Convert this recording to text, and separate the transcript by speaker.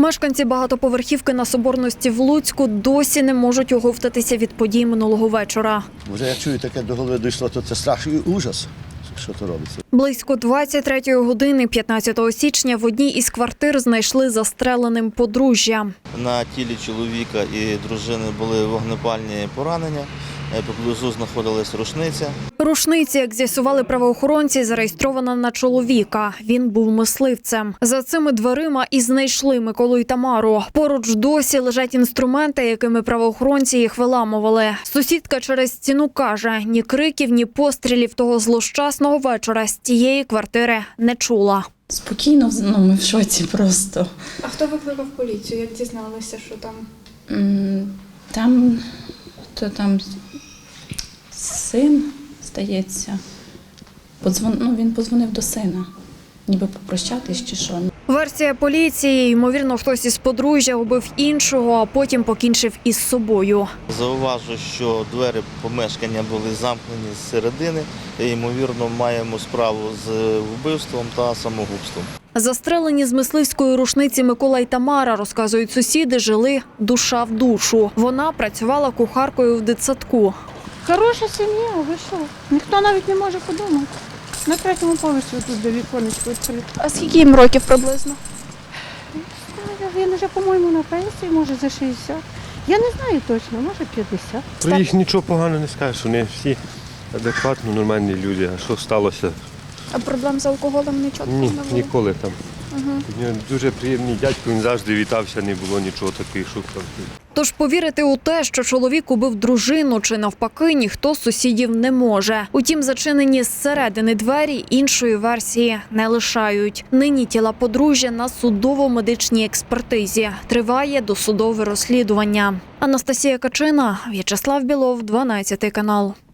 Speaker 1: Мешканці багатоповерхівки на Соборності в Луцьку досі не можуть оговтатися від подій минулого вечора.
Speaker 2: Вже я чую, таке до голови дійшло, то це страшний ужас, що то робиться.
Speaker 1: Близько 23-ї години 15 січня в одній із квартир знайшли застреленим подружжя.
Speaker 3: На тілі чоловіка і дружини були вогнепальні поранення, поблизу знаходилась рушниця.
Speaker 1: Рушниця, як з'ясували правоохоронці, зареєстрована на чоловіка. Він був мисливцем. За цими дверима і знайшли Миколу і Тамару. Поруч досі лежать інструменти, якими правоохоронці їх виламували. Сусідка через стіну каже, ні криків, ні пострілів того злощасного вечора з тієї квартири не чула.
Speaker 4: Спокійно, ми в шоці просто.
Speaker 5: А хто викликав поліцію? Як дізналися, що там?
Speaker 4: Там син, здається, він подзвонив до сина, ніби попрощатись чи що.
Speaker 1: Версія поліції, ймовірно, хтось із подружжя убив іншого, а потім покінчив із собою.
Speaker 3: Зауважу, що двері помешкання були замкнені зсередини. Ймовірно, маємо справу з вбивством та самогубством.
Speaker 1: Застрелені з мисливської рушниці Микола і Тамара, розказують сусіди, жили душа в душу. Вона працювала кухаркою в дитсадку.
Speaker 6: Хороша сім'я, ви що? Ніхто навіть не може подумати. На 3-му поверсі тут де віконечко відкрите.
Speaker 5: А скільки їм років приблизно?
Speaker 6: Він вже, по-моєму, на пенсії, може за 60. Я не знаю точно, може 50.
Speaker 7: Про їх нічого поганого не скажеш, вони всі адекватно, нормальні люди. А що сталося?
Speaker 5: А проблем з алкоголем нічого
Speaker 7: Ні,
Speaker 5: не було?
Speaker 7: ніколи там. Він дуже приємний дядько, він завжди вітався, не було нічого таких шуток.
Speaker 1: Тож повірити у те, що чоловік убив дружину чи навпаки, ніхто з сусідів не може. Утім, зачинені зсередини двері іншої версії не лишають. Нині тіла подружжя на судово-медичній експертизі. Триває досудове розслідування. Анастасія Качина, В'ячеслав Білов, 12 канал.